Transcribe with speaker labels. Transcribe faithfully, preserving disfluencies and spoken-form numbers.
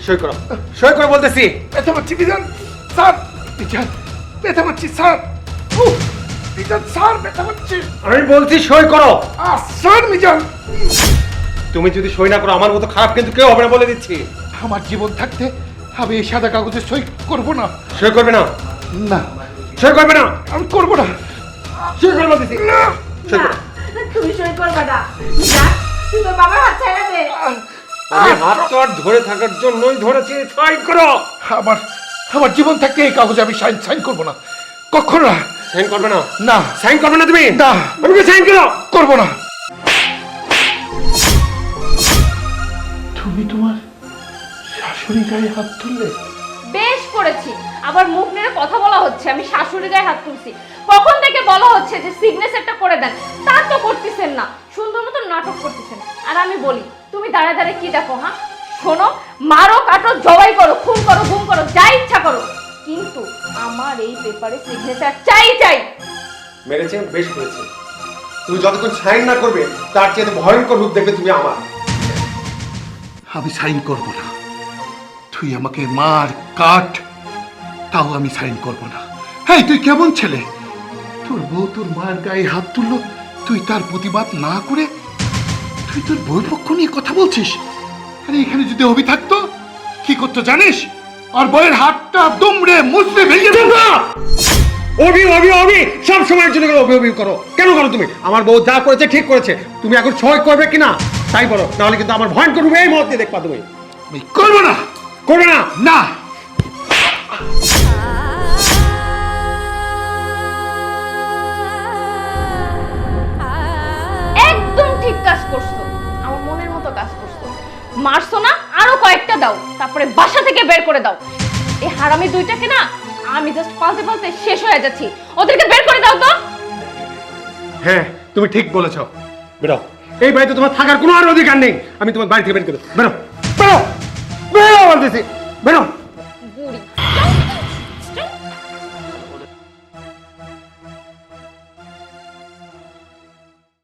Speaker 1: সই করো, সই করো বলতেছি।
Speaker 2: ব্যথা পাচ্ছি মিজান স্যার, মিজান ব্যথা পাচ্ছি স্যার, উফ, মিজান স্যার ব্যথা পাচ্ছি।
Speaker 1: আমি বলছি সই করো।
Speaker 2: আহ, স্যার মিজান,
Speaker 1: তুমি যদি সই না করো আমার মতো খারাপ কিন্তু কেউ হবে না বলে দিচ্ছি।
Speaker 2: আমার জীবন থাকতে আমি এই সাদা কাগজে সই করব না।
Speaker 1: সই করবে না,
Speaker 2: না
Speaker 1: সই করবে না,
Speaker 2: আমি করব না।
Speaker 1: সই করো বলতেছি।
Speaker 2: না,
Speaker 1: সই করো।
Speaker 3: তুমি সই করবে না। যা, তুই তোর বাবার হাত ছেড়ে দে।
Speaker 1: আমি হাত তো আর ধরে থাকার জন্যই ধরেছি, সই করো।
Speaker 2: আমার আমার জীবন থাকতে এই কাগজে আমি সাইন সাইন করব না, কখনো না।
Speaker 1: সাইন করবে না?
Speaker 2: না
Speaker 1: সাইন করবে না তুমি?
Speaker 2: না,
Speaker 1: আমি সাইন করো।
Speaker 2: করব না। তুমি তোমার শাশুড়ি গায়ে হাত তুললে?
Speaker 3: বেশ করেছি, আবার মুখ নেড়ে কথা বলা হচ্ছে আমি শাশুড়ি গায়ে হাত তুলছি। কখন থেকে বলা হচ্ছে যে সিগনেচারটা করে দেন, তা তো করতেছেন না, সুন্দর মতো নাটক করতেছেন। আর আমি বলি, তুমি দাঁড়ায় দাঁড়ায় কি দেখো? হ্যাঁ শোনো, মারো কাটো জবাই করো, খুন করো গুম করো, যা ইচ্ছা করো, কিন্তু আমার এই পেপারে সিগনেচার চাই চাই।
Speaker 1: মেরেছে, বেশ করেছে। তুমি যতক্ষণ সাইন না করবে তার চেয়ে ভয়ঙ্কর রূপ দেখবে তুমি আমার।
Speaker 2: আমি সাইন করব না। তুই আমাকে মার কাট, তাও আমি সাইন করব না। হ্যাঁ, তুই কেমন ছেলে? তোর বউ তোর মার গায়ে হাত তুললো, তুই তার প্রতিবাদ না করে তুই তোর বউর পক্ষ নিয়ে কথা বলছিস? আরে এখানে যদি অভি থাকতো কি করতো জানিস? আর বউয়ের হাতটা দুমড়ে মুচড়ে ভেঙে দিত।
Speaker 1: অভি অভি অভি সব সময়ের জন্য অভি অভি করো। কেন করো তুমি? আমার বউ যা করেছে ঠিক করেছে, তুমি এখন সই করবে কিনা তাই বলো, নাহলে কিন্তু আমার ভয়ঙ্কর রূপে এই মুহূর্তে দেখবা তুমি।
Speaker 2: আমি করবো না।
Speaker 1: করবে না?
Speaker 2: না।
Speaker 3: একদম ঠিক কাজ করছো, আমার মনের মতো কাজ করছো। মারছো না, আরো কয়েকটা দাও, তারপরে বাসা থেকে বের করে দাও। এই হারামি দুইটাকে না আমি জাস্ট পালতে পালতে শেষ হয়ে যাচ্ছি, ওদেরকে বের করে দাও তো।
Speaker 1: হ্যাঁ তুমি ঠিক বলেছো, বেরো। এই বাড়িতে তোমার থাকার কোনো আর অধিকার নেই। আমি তোমার বাড়ি থেকে বের করে দেবো। বেরো বেরো বেরো বলতেছি, বেরো।
Speaker 3: বুড়ি